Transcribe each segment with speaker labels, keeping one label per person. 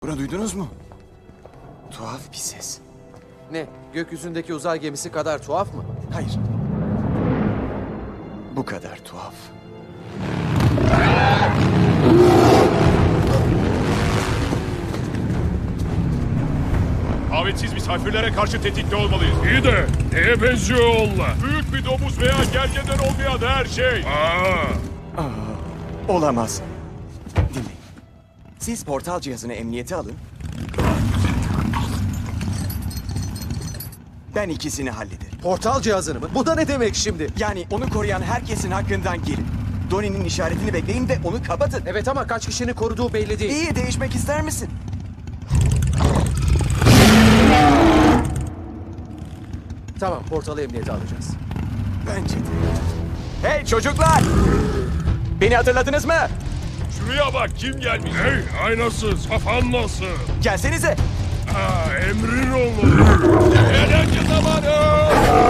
Speaker 1: Bunu duydunuz mu? Tuhaf bir ses.
Speaker 2: Ne? Gökyüzündeki uzay gemisi kadar tuhaf mı?
Speaker 1: Hayır. Bu kadar tuhaf.
Speaker 3: Davetsiz misafirlere karşı tetikte olmalıyız.
Speaker 4: İyi de neye benziyor onlar?
Speaker 3: Büyük bir domuz veya gergeden olmayan her şey.
Speaker 1: Olamaz. Dinleyin. Siz portal cihazını emniyete alın. Ben ikisini hallederim.
Speaker 2: Portal cihazını mı? Bu da ne demek şimdi?
Speaker 1: Yani onu koruyan herkesin hakkından gelin. Donnie'nin işaretini bekleyin ve onu kapatın.
Speaker 2: Evet ama kaç kişinin koruduğu belli değil.
Speaker 1: İyi, değişmek ister misin?
Speaker 2: Tamam, portalı emniyete alacağız.
Speaker 1: Bence de. Hey çocuklar! Beni hatırladınız mı?
Speaker 3: Şuraya bak, kim gelmiş?
Speaker 4: Hey aynasız kafan nasıl?
Speaker 1: Gelsenize.
Speaker 4: Emrin olur.
Speaker 3: Eğlence zamanı!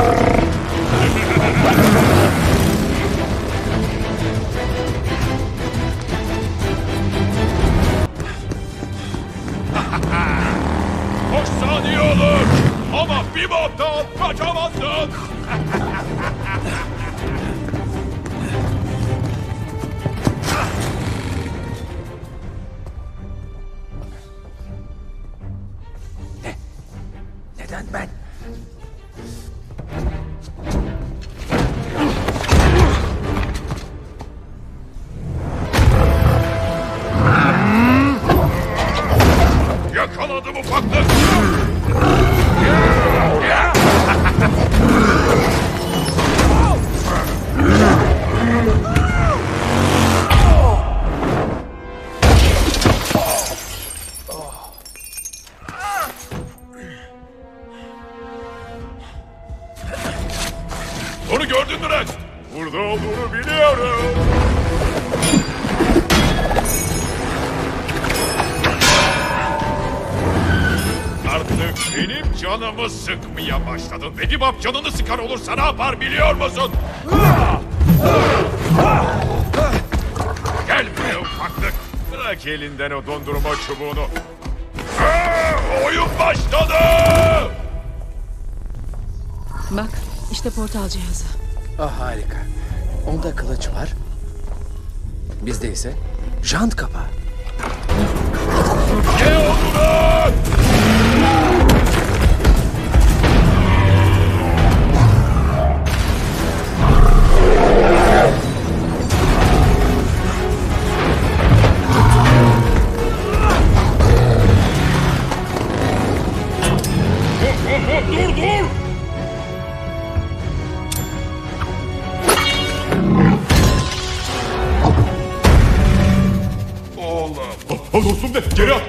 Speaker 3: Hoş saniye olur. Ama bir boktan kaçamazsın.
Speaker 2: Neden ben?
Speaker 3: Yakaladım ufaklık. Onu gördün mü Rex? Burada olduğunu biliyorum. Artık benim canımı sıkmaya başladın. Ve Dibap canını sıkar olursa ne yapar biliyor musun? Gel buraya ufaklık. Bırak elinden o dondurma çubuğunu. Oyun başladı!
Speaker 5: Bak, işte portal cihazı.
Speaker 2: Ah harika. Onda kılıç var. Bizde ise jant kapağı.
Speaker 3: Ne oldu lan?
Speaker 4: Dur dur.
Speaker 3: Oğlum. Dostum de geri at.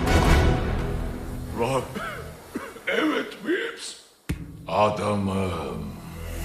Speaker 3: Rob. Evet Bips. Adamım.